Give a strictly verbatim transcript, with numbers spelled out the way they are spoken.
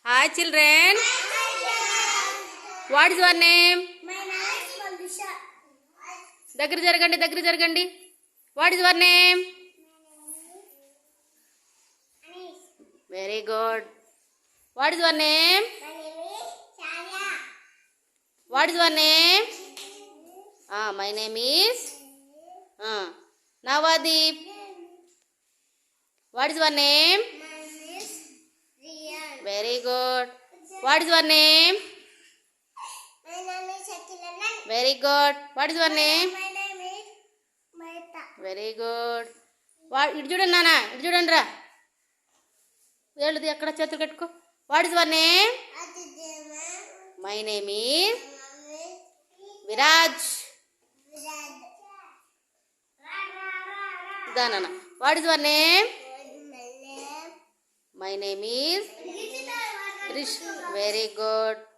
Hi children. What is your name? My name is Valdisha. దగ్గర జరగండి దగ్గర జరగండి. What is your name? Anis. Very good. What is your name? My name is Sharya. What is your name? Ah, my name is ah Navadeep. What is your name? My name is Riyan. Very good. What is your name? My name is Shakilanan. Very good. What is your name? My name is Maita. Very good. వా ఇటు చూడండి నాన్న, ఇటు చూడండి రా. ఏళ్ళది ఎక్కడ చేతులు కట్టుకో. What is your name? Adidema. My name is My name is Viraj. Virad. Ra ra ra ra. ఇదా నాన్న. What is your name? My name. My name is This is the one. Rish. Very good.